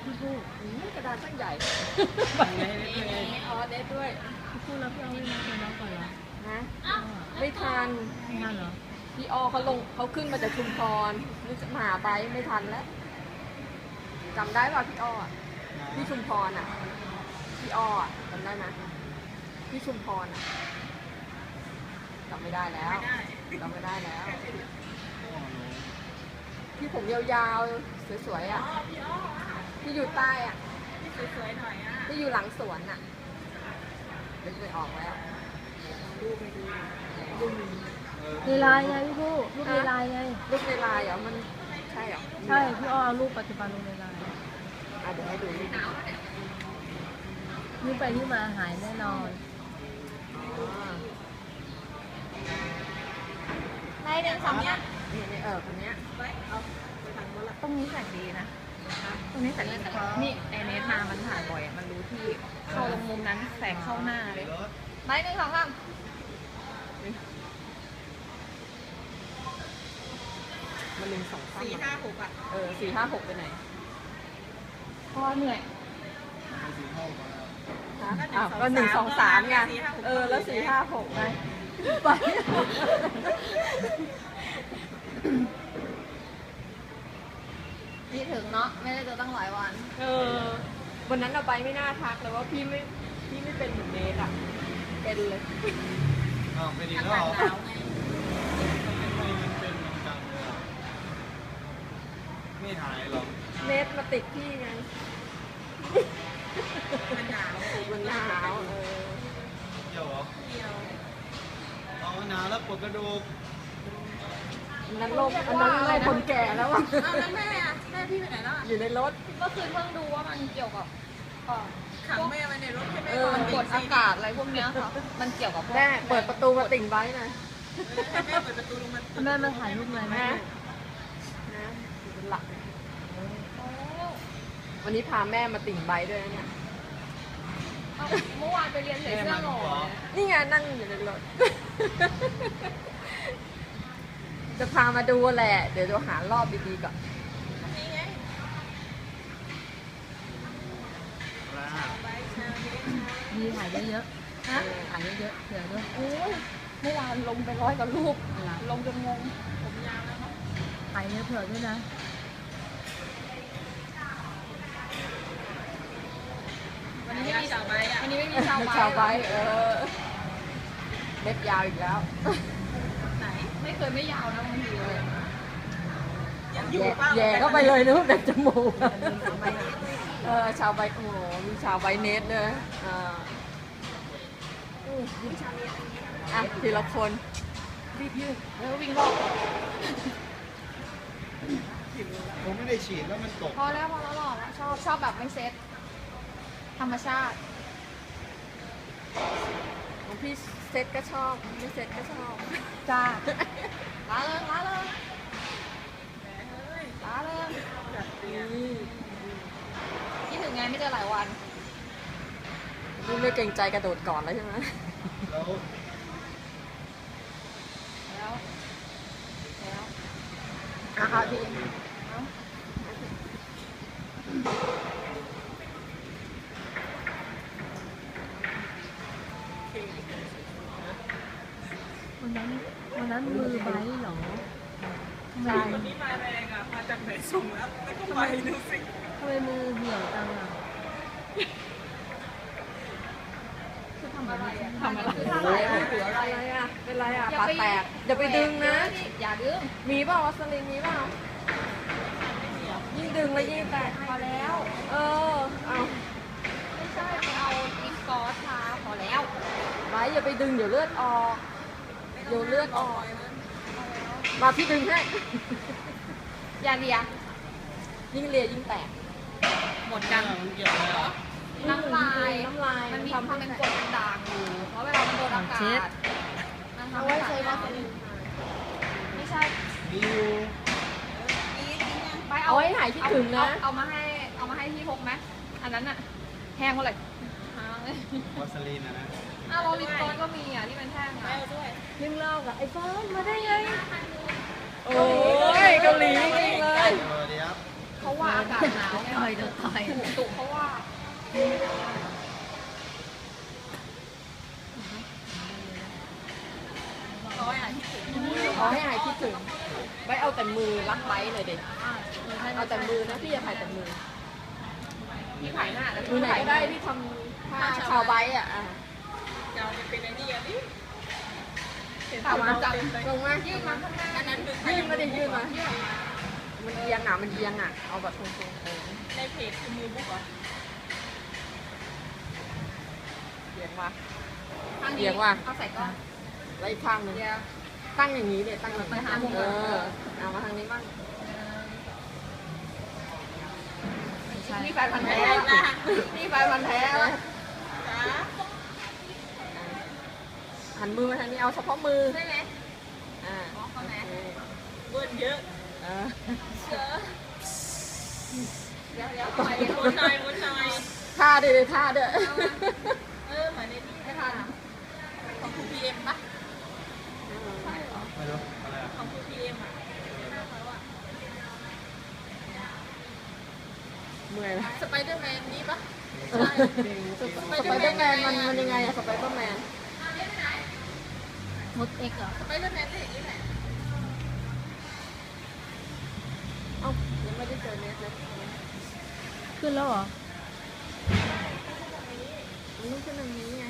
พี่พูดกระดานตั้งใหญ่เน็ตเลยอ๋อเน็ตด้วยพี่พูดแล้วพี่เอาไม่มาเป็นน้องก่อนเหรอฮะไม่ทันไม่ทันเหรอพี่อเขาลงเขาขึ้นมาจากชุมพรนึกจะมาหาไปไม่ทันแล้วจำได้ป่ะพี่อ้ออะพี่ชุมพรอ่ะพี่อ้ออะจำได้ไหมพี่ชุมพรอ่ะจำไม่ได้แล้วจำไม่ได้แล้ว ที่ผมยาวๆสวยๆอ่ะที่อยู่ใต้อ่ะสวยๆหน่อยอ่ะที่อยู่หลังสวนอ่ะนึกไม่ออกแล้วดูไม่ดูดูมีในไลน์ไงพี่พูดรูปในไลน์ไงรูปในไลน์เหรอมันใช่เหรอใช่พี่อ้อเอารูปปัจจุบันลงในไลน์เดี๋ยวให้ดูรูปนี่ไปที่มาหายแน่นอนในเดือนสองเนี้ยนี่คนเนี้ยตรงนี้แสงดีนะตรงนี้แสงดีนี่ไอเนสมามันถ่ายบ่อยมันรู้ที่เข้าลงมุมนั้นแสงเข้าหน้าเลยไปหนึ่งสองสามมันลืมสองตั้ง 4-5-6อ่ะ 4-5-6ไปไหนพ่อเหนื่อยอ้าวก็1-2-3ไงแล้ว4-5-6ไงไปนี่ถึงเนาะไม่ได้เจอตั้งหลายวันวันนั้นเราไปไม่น่าทักเลยว่าพี่ไม่เป็นเหมือนเนทอ่ะเป็นเลยอ้าวเป็นอีกอาแล้วกาเหศรอหนาวไงทำไมมันเป็นมันจังเลยอ่ะไม่หายหรอเนทมาติดพี่ไงมันหนาวมันหนาวเกี่ยวเหรอเดียวเอาหนาวแล้วปวดกระดูกอันนั้นโรคคนแก่แล้วอ่ะอ้าวแล้วแม่อะแม่พี่ไปไหนแล้วอะอยู่ในรถเมื่อคืนเพิ่งดูว่ามันเกี่ยวกับขังแม่ไว้ในรถให้แม่เออนอนกดอากาศอะไรพวกเนี้ยค่ะมันเกี่ยวกับพวกแม่เปิดประตูมาติ่งไว้หน่อยให้แม่เปิดประตูลงมาแม่มาถ่ายรูปหน่อยไหมนะเป็นหลักวันนี้พาแม่มาติ่งไบค์ด้วยนะเนี่ยเมื่อวานไปเรียนใส่เสื้อหล่อนี่ไงนั่งอยู่ในรถ จะพามาดูแหละ เดี๋ยวจะหารอบดีๆก่อนนี่ไงมีถ่ายเยอะๆนะถ่ายเยอะๆเผื่อด้วยโอ้ยเมื่อวานลงไป100 กว่ารูป ลงจนงง ผมยาวแล้วเนาะถ่ายเยอะเผื่อด้วยนะวันนี้ไม่มีชาวไบค์อ่ะ วันนี้ไม่มีชาวไบค์ชาวไบค์เล็บยาวอีกแล้วไหน ไม่เคยไม่ยาวนะบางทีเลยยังอยู่แย่เข้าไปเลยนึกว่าแบบจมูกชาวไบค์โอ้โหมีชาวไบค์เนทด้วยทีละคนรีบยืดแล้ววิ่งรอบผมไม่ได้ฉีดแล้วมันตกพอแล้วหล่อแล้วชอบแบบไม่เซ็ตธรรมชาติของพี่เซ็ตก็ชอบไม่เซ็ตก็ชอบจ้าล้าเริงล้าเริงล้าเริงคิดถึงไงไม่เจอหลายวันนี่ไม่เกรงใจกระโดดก่อนแล้วใช่ไหมแล้วแล้วพี่วันนั้นมือไบร์ทเหรอทำไมวันนี้มาแรงอ่ะ มาจากไหนส่งแล้วแล้วก็ไปดูสิทำไมมือเหี่ยวจังอ่ะคือทำอะไรอ่ะทำอะไรถืออะไรเป็นไรปากแตกอย่าไปดึงนะอย่าดึงมีเปล่าวัสลินมีเปล่ายิ่งดึงแล้วยิ่งแตกพอแล้วเอาไม่ใช่ไปเอาอิงกอสทาพอแล้วไว้อย่าไปดึงเดี๋ยวเลือดออกมาพี่ดึงให้อย่าเลียยิ่งเลียยิ่งแตกหมดกันมันเกี่ยวอะไรอ่ะน้ำลายน้ำลายมันมีทำความเป็นกรดเป็นด่างอยู่ เพราะเวลามันโดนอากาศมันทำเอาให้ไว้ใช้ใช้วัวัสสลิลินนไม่ใช่มีอยู่ไปเอาไว้หายคิดถึงนะเอามาให้พี่พกไหมอันนั้นอะแห้งเท่าไหร่วัสลีนนะอ้าวโรลิปตอนก็มีอ่ะที่มันแห้งอ่ะนึ่งเล่ากับไอ้ฟ้ามาได้ไงโอ้ยเกาหลีจริงเลยสวัสดีครับเพราะว่าอากาศหนาวไงต่อยโดนต่อยตุเพราะว่าขอให้หายคิดถึงไว้เอาแต่มือรักไว้หน่อยเด็กเอาแต่มือนะพี่อย่าถ่ายแต่มือพี่ถ่ายหน้าแล้วมือไหนก็ได้ที่ทำผ้าชาวไว้อ่ะจะเป็นไอ้นี่อ่ะนี่ถามมาจังลงมายื่นมาข้างหน้าอันนั้นคือยื่นมาดิยื่นมามันเอียงอ่ะมันเอียงอ่ะเอาแบบตรงๆในเพจคือมือบุ๊กเหรอเอียงมาข้างเอีนี้ยงว่ะเอาใส่ก้อนแล้วอีกข้างหนึงตั้งอย่างนี้เนี่ยตั้งอย่างนี้เอามาทางนี้บ้างนี่แฟนพันธุ์แท้นี่ไฟมันแท้วะหันมือมาทางนี้เอาเฉพาะมือใช่ไหมอ่าเขาไหนเบิ้ลเยอะเออเดี๋ยวไปมุนหน่อยท่าด้วยเลยท่าด้วยเหมือนในที่ไม่ทันของครูพีเอ็มปะไม่รู้อะไรอ่ะของครูพีเอ็มอ่ะหน้าเขาอ่ะเมื่อยละสไปเดอร์แมนนี้ปะสไปเดอร์แมนมันยังไงอะสไปเดอร์แมนมดเอ็กเหรอสไปเดอร์แมนได้อย่างนี้แหละเอ้ายังไม่ได้เจอเนสเลยขึ้นแล้วเหรอมันต้องขึ้นอย่างนี้ไง